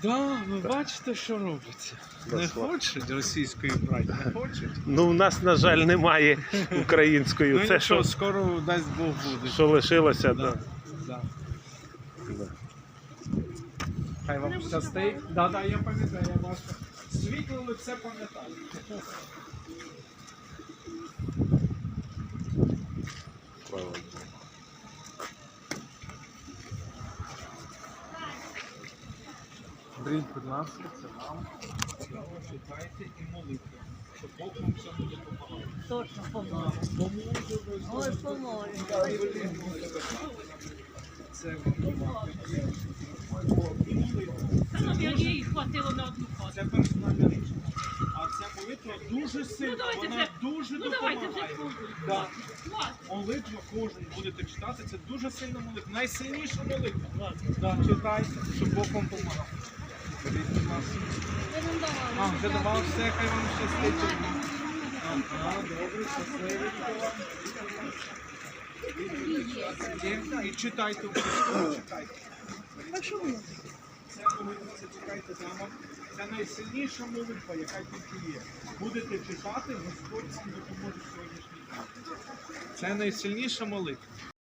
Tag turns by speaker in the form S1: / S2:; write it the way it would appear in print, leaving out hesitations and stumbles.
S1: Да, ви бачите, що робиться. Не хочуть російської брати, не хочуть.
S2: Ну, у нас, на жаль, немає української.
S1: Ну
S2: Це
S1: нічого,
S2: що,
S1: скоро дасть Бог буде.
S2: що лишилося,
S1: Да.
S2: да.
S1: Да.
S2: Да.
S1: Хай вам щастить. Да, я пам'ятаю, я ваше світле лице пам'ятаю.
S2: Слава Богу.
S1: Беріть, будь ласка, це вам. Читайте і молитву, щоб Бог вам все буде допомагати.
S3: Точно поможе. Ой, поможе.
S1: Це
S4: Як їй хватило на одну хату.
S1: Це персональна річ. А ця молитва дуже сильна,
S4: давайте
S1: вона
S4: вже-
S1: дуже
S4: давайте вже
S1: допомагає.
S4: спробуємо.
S1: Да.
S4: Клас.
S1: Молитва кожен будете читати, це дуже сильна молитва. Найсильніша молитва. Да, читайте, щоб Бог вам допомагав. Беріть, будь ласка. А, вже давав все, хай вам щастить. Ага, добре, щасливенько вам. І читайте обов'язково, читайте. Це молитва, це читайте дома. Це найсильніша молитва, яка тільки є. Будете читати, Господь вам допоможе в сьогоднішній день. Це найсильніша молитва.